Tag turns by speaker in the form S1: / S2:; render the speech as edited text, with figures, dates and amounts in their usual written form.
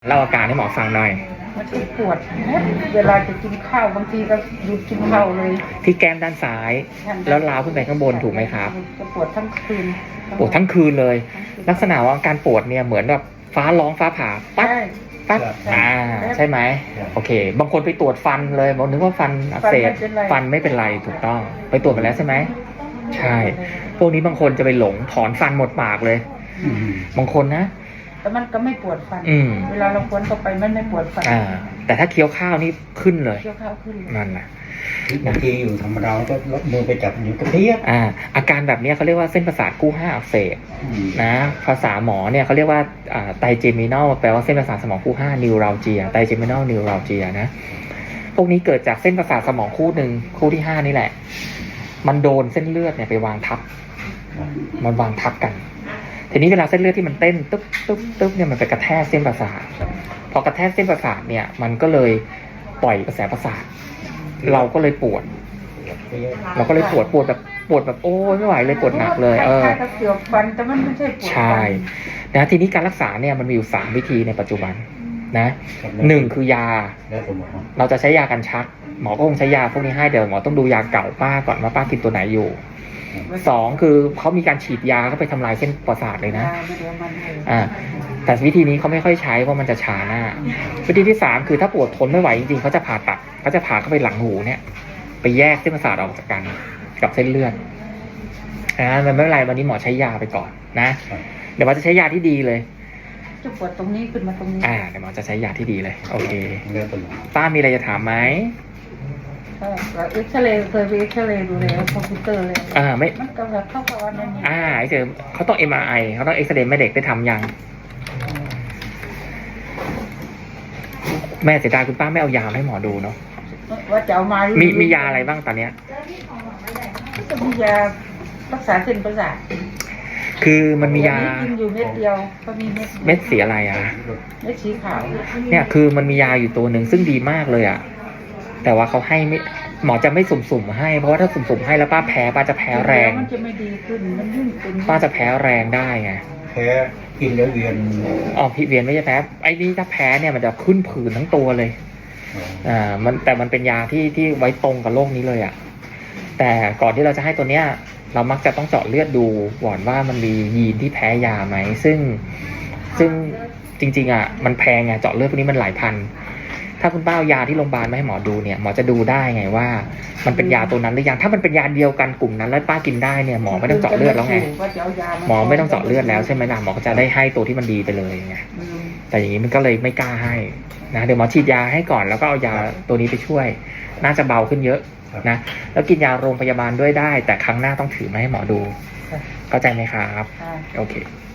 S1: เล่าอาการให้หมอฟังหน่อย
S2: มันจะปวดเวลาจะกินข้าวบางทีก็หยุดกินข้าวเลย
S1: ที่แก้มด้านซ้ายแล้วล้าวขึ้นไปข้างบนถูกไหมครับ
S2: จะปวดทั้งคืน
S1: ปวดทั้งคืนเลยลักษณะว่าการปวดเนี่ยเหมือนแบบฟ้าร้องฟ้าผ่าปั๊บปั๊บใช่ไหมโอเคบางคนไปตรวจฟันเลยบอกนึกว่าฟันอักเสบฟันไม่เป็นไรถูกต้องไปตรวจมาแล้วใช่ไหมใช่พวกนี้บางคนจะไปหลงถอนฟันหมดปากเลยบางคนนะ
S2: แต่มันก็ไม่ปวดฟันเวลาเราควนเข้าไปมันไม่ปวดฟัน
S1: แต่ถ้าเคี้ยวข้าวนี่ขึ้นเลย
S2: เคี้ยวข้าวขึ้น
S1: นั่นแหละ
S3: บางทีอยู่ธรรมดาก็ลดมือไปจับอยู่กระเทียบ
S1: อาการแบบนี้เขาเรียกว่าเส้นประสาทคู่5อักเสบนะภาษาหมอเนี่ยเขาเรียกว่าไตเจมินัลแปลว่าเส้นประสาทสมองคู่5นิวราลเจียไตเจมินัลนิวราลเจียนะพวกนี้เกิดจากเส้นประสาทสมองคู่หนึ่งคู่ที่5นี่แหละมันโดนเส้นเลือดเนี่ยไปวางทับมันวางทับกันทีนี้เวลาเส้นเลือดที่มันเต้นตึ๊บตึ๊บตึ๊บเนี่ยมันไปกระแทกเส้นประสาทพอกระแทกเส้นประสาทเนี่ยมันก็เลยปล่อยกระแสประสาทเราก็เลยปวดแบบโอ้ยไม่ไหวเลยปวดหนักเลย
S2: เกี่ยวฟันแต่มันไม่ใช่ปวด
S1: ใช่นะทีนี้การรักษาเนี่ยมันมีอยู่3วิธีในปัจจุบันนะ1คือยาเราจะใช้ยากันชักหมอก็คงใช้ยาพวกนี้ให้เดี๋ยวหมอต้องดูยาเก่าป้าก่อนว่าป้ากินตัวไหนอยู่2คือเขามีการฉีดยาเข้าไปทำลายเส้นประสาทเลยนะแต่วิธีนี้เขาไม่ค่อยใช้เพราะมันจะช้าหน้าวิธีที่3คือถ้าปวดทนไม่ไหวจริงๆเขาจะผ่าตัดเขาจะผ่าเข้าไปหลังหูเนี่ยไปแยกเส้นประสาทออกจากกันกับเส้นเลือดมันไม่เป็นไรวันนี้หมอใช้ยาไปก่อนนะเดี๋ยวหมอจะใช้ยาที่ดีเลย
S2: จะปวดตรงนี้ขึ้นมาตรงนี้
S1: เดี๋ยวหมอจะใช้ยาที่ดีเลยโอเคป้ามีอะไรจะถามไหม
S2: เอ็กซเรย์เคยไปเอ็กซเรย์ดูแล้วคอมพิวเตอร์เลย
S1: ไม่
S2: มันก็แบบเข้ากับวันนี้
S1: เจอเขาต้อง MRI เขาต้องเอ็กซเรย์แม่เด็กได้ทำยังแม่เสียดายคุณป้าไม่เอายาให้หมอดูเนาะ
S2: ว่าจะเอามา
S1: มียาอะไรบ้างตอนเนี้ย
S2: ก็มียารักษาเส้นประสาท
S1: คือมันมียา
S2: กินอยู่เม็ดเดียวก็มี
S1: เม็ดสีอะไร
S2: เม็ดสีขาว
S1: เนี่ยคือมันมียาอยู่ตัวหนึ่งซึ่งดีมากเลยแต่ว่าเขาให้ไม่หมอจะไม่สุ่มๆให้เพราะว่าถ้าสุ่มๆให้แล้วป้าแพ้ป้าจะแพ้แรง
S2: มันจะไม่ดีขึ้นมันยิ่งเป็น
S1: ป้าจะแพ้แรงได้ไง
S3: แพ้กินแล้วเวียน
S1: พี่เวียนไม่ใช่แพ้ไอ้นี่ถ้าแพ้เนี่ยมันจะขึ้นผื่นทั้งตัวเลยแต่มันเป็นยาที่ไว้ตรงกับโรคนี้เลยแต่ก่อนที่เราจะให้ตัวเนี้ยเรามักจะต้องเจาะเลือดดูก่อนว่ามันมียีนที่แพ้ยาไหมซึ่งจริงๆมันแพงเจาะเลือดพวกนี้มันหลายพันถ้าคุณป้าเอายาที่โรงพยาบาลมาให้หมอดูเนี่ยหมอจะดูได้ไงว่ามันเป็นยาตัวนั้นหรือยังถ้ามันเป็นยาเดียวกันกลุ่มนั้นแล้วป้ากินได้เนี่ยหมอไม่ต้องเจาะเลือดแล้วไงหมอไม่ต้องเจาะเลือดแล้วใช่ไหมล่ะหมอก็จะได้ให้ตัวที่มันดีไปเลยไงแต่อย่างนี้มันก็เลยไม่กล้าให้นะเดี๋ยวหมอฉีดยาให้ก่อนแล้วก็เอายาตัวนี้ไปช่วยน่าจะเบาขึ้นเยอะนะแล้วกินยาโรงพยาบาลด้วยได้แต่ครั้งหน้าต้องถือมาให้หมอดูเข้าใจไหมครับโอเค